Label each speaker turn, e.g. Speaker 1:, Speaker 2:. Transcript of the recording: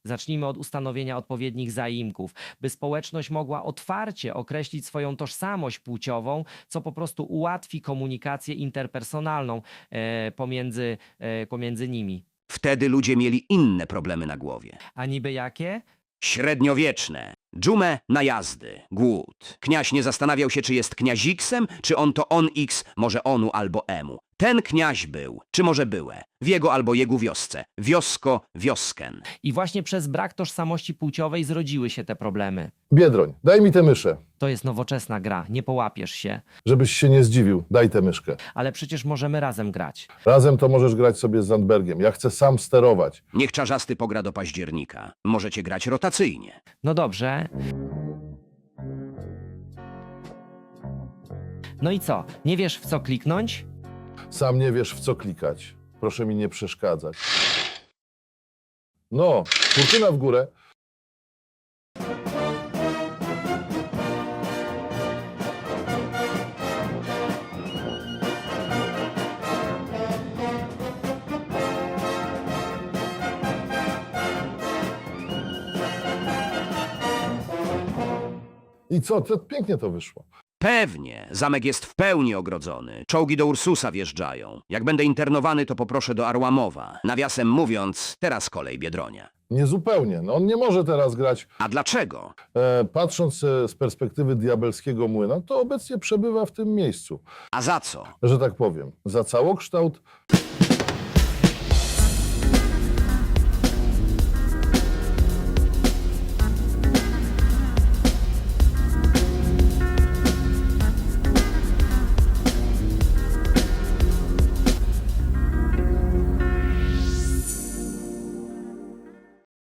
Speaker 1: Zacznijmy od ustanowienia odpowiednich zaimków, by społeczność mogła otwarcie określić swoją tożsamość płciową, co po prostu ułatwi komunikację interpersonalną pomiędzy nimi.
Speaker 2: Wtedy ludzie mieli inne problemy na głowie.
Speaker 1: A niby jakie?
Speaker 2: Średniowieczne. Dżumę, najazdy, głód. Kniaź nie zastanawiał się, czy jest kniaziksem, czy on to on x, może onu albo emu. Ten kniaź był, czy może byłe, w jego albo jego wiosce, wiosko, wiosken.
Speaker 1: I właśnie przez brak tożsamości płciowej zrodziły się te problemy.
Speaker 3: Biedroń, daj mi tę myszę.
Speaker 1: To jest nowoczesna gra, nie połapiesz się.
Speaker 3: Żebyś się nie zdziwił, daj tę myszkę.
Speaker 1: Ale przecież możemy razem grać.
Speaker 3: Razem to możesz grać sobie z Zandbergiem. Ja chcę sam sterować.
Speaker 2: Niech czarzasty pogra do października. Możecie grać rotacyjnie.
Speaker 1: No dobrze. No i co? Nie wiesz, w co kliknąć?
Speaker 3: Sam nie wiesz, w co klikać. Proszę mi nie przeszkadzać. No, kurtyna w górę. I co? Pięknie to wyszło.
Speaker 2: Pewnie. Zamek jest w pełni ogrodzony. Czołgi do Ursusa wjeżdżają. Jak będę internowany, to poproszę do Arłamowa. Nawiasem mówiąc, teraz kolej Biedronia.
Speaker 3: Niezupełnie. No, on nie może teraz grać.
Speaker 2: A dlaczego?
Speaker 3: Patrząc z perspektywy diabelskiego młyna, to obecnie przebywa w tym miejscu.
Speaker 2: A za co?
Speaker 3: Że tak powiem, za całokształt